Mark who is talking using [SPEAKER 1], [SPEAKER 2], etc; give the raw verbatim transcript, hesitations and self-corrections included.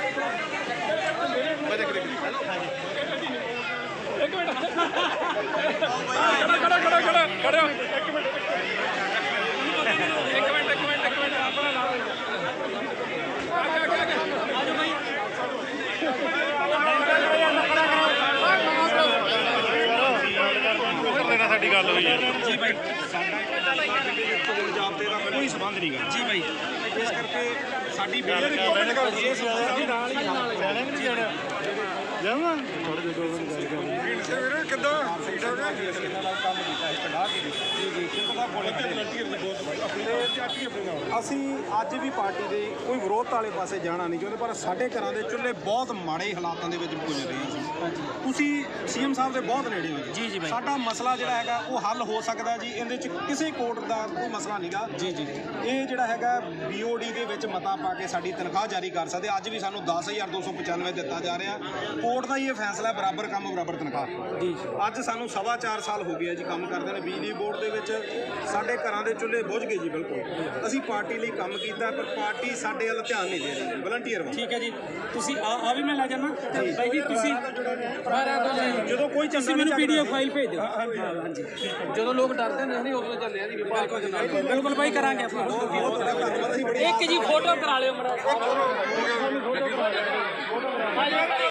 [SPEAKER 1] एक मिनट खड़ा खड़ा खड़ा खड़ा एक मिनट एक मिनट एक मिनट एक मिनट अपना ला आगे आगे आगे आ जाओ भाई
[SPEAKER 2] साडी गल हुई है
[SPEAKER 1] जी भाई
[SPEAKER 3] चोण जाब्ते का कोई संबंध नहीं गा
[SPEAKER 1] जी भाई
[SPEAKER 3] इस करके साडी बेनती इस
[SPEAKER 2] ਜਾਵਾਂ ਥੋੜੇ ਜਿਹੇ ਦੋ ਮਿੰਟ ਗੱਲ
[SPEAKER 3] ਕਿੱਦਾਂ ਸੀਟਾਂ ਦਾ ਕੰਮ ਕੀਤਾ ਇੱਕ ਢਾਹ ਕੇ ਜੀ ਜੀ ਕਿਹਦਾ ਬੋਲੇ ਤੇ ਵਲੰਟੀਅਰ ਦੀ ਬਹੁਤ ਅਸੀਂ ਅੱਜ ਵੀ ਪਾਰਟੀ ਦੇ ਕੋਈ ਵਿਰੋਧ ਵਾਲੇ ਪਾਸੇ ਜਾਣਾ ਨਹੀਂ ਚਾਹੁੰਦੇ ਪਰ ਸਾਡੇ ਘਰਾਂ ਦੇ ਚੁੱਲ੍ਹੇ ਬਹੁਤ ਮਾੜੇ ਹਾਲਾਤਾਂ ਦੇ ਵਿੱਚ ਗੁਜ਼ਰ ਰਹੇ ਸੀ ਤੁਸੀਂ ਸੀਐਮ ਸਾਹਿਬ ਦੇ ਬਹੁਤ ਨੇੜੇ ਹੋ
[SPEAKER 1] ਜੀ ਜੀ ਭਾਈ
[SPEAKER 3] ਸਾਡਾ ਮਸਲਾ ਜਿਹੜਾ ਹੈਗਾ ਉਹ ਹੱਲ ਹੋ ਸਕਦਾ ਜੀ ਇਹਦੇ ਚ ਕਿਸੇ ਕੋਰਟ ਦਾ ਕੋਈ ਮਸਲਾ ਨਹੀਂਗਾ
[SPEAKER 1] ਜੀ ਜੀ
[SPEAKER 3] ਇਹ ਜਿਹੜਾ ਹੈਗਾ ਬੀਓਡੀ ਦੇ ਵਿੱਚ ਮਤਾ ਪਾ ਕੇ ਸਾਡੀ ਤਨਖਾਹ ਜਾਰੀ ਕਰ ਸਕਦੇ ਅੱਜ ਵੀ ਸਾਨੂੰ ਦਸ ਹਜ਼ਾਰ ਦੋ ਸੌ ਪਚਾਨਵੇਂ ਦਿੱਤਾ ਜਾ ਰਿਹਾ ਕੋਰਟ ਦਾ ਹੀ ਇਹ ਫੈਸਲਾ ਬਰਾਬਰ ਕੰਮ ਬਰਾਬਰ ਤਨਖਾਹ
[SPEAKER 1] ਜੀ
[SPEAKER 3] ਅੱਜ ਸਾਨੂੰ ਸਵਾ ਚਾਰ ਸਾਲ ਹੋ ਗਏ ਜੀ ਕੰਮ ਕਰਦੇ ਨੇ ਬਿਜਲੀ ਬੋਰਡ ਦੇ ਵਿੱਚ ਸਾਡੇ ਘਰਾਂ ਦੇ ਚੁੱਲ੍ਹੇ ਬੁਝ ਗਏ ਜੀ ਬਿਲਕੁਲ ਅਸੀਂ ਪਾਰਟੀ ਲਈ ਕੰਮ ਕੀਤਾ ਪਰ ਪਾਰਟੀ ਸਾਡੇ ਵੱਲ ਧਿਆਨ ਨਹੀਂ ਦੇ ਰਹੀ ਵਲੰਟੀਅਰ ਵੱਲ
[SPEAKER 1] ਠੀਕ ਹੈ ਜੀ ਤੁਸੀਂ ਆ ਆ ਵੀ ਮੈਂ ਲੈ ਜਾਣਾ ਭਾਈ ਜੀ ਤੁਸੀਂ
[SPEAKER 3] ਜਦੋਂ ਕੋਈ
[SPEAKER 1] ਤੁਸੀਂ ਮੈਨੂੰ ਪੀਡੀਐਫ ਫਾਈਲ ਭੇਜ ਦਿਓ ਹਾਂਜੀ ਜਦੋਂ ਲੋਕ ਡਰਦੇ ਨੇ ਨਹੀਂ ਉਦੋਂ ਚੱਲਿਆ ਜੀ ਬਿਲਕੁਲ ਬਿਲਕੁਲ ਭਾਈ ਕਰਾਂਗੇ ਆਪਾਂ
[SPEAKER 3] ਬਹੁਤ ਤੁਹਾਡਾ ਧੰਨਵਾਦ ਅਸੀਂ ਬੜੀ
[SPEAKER 1] ਇੱਕ ਜੀ ਫੋਟੋ ਕਰਾ ਲਿਓ ਮਰਾ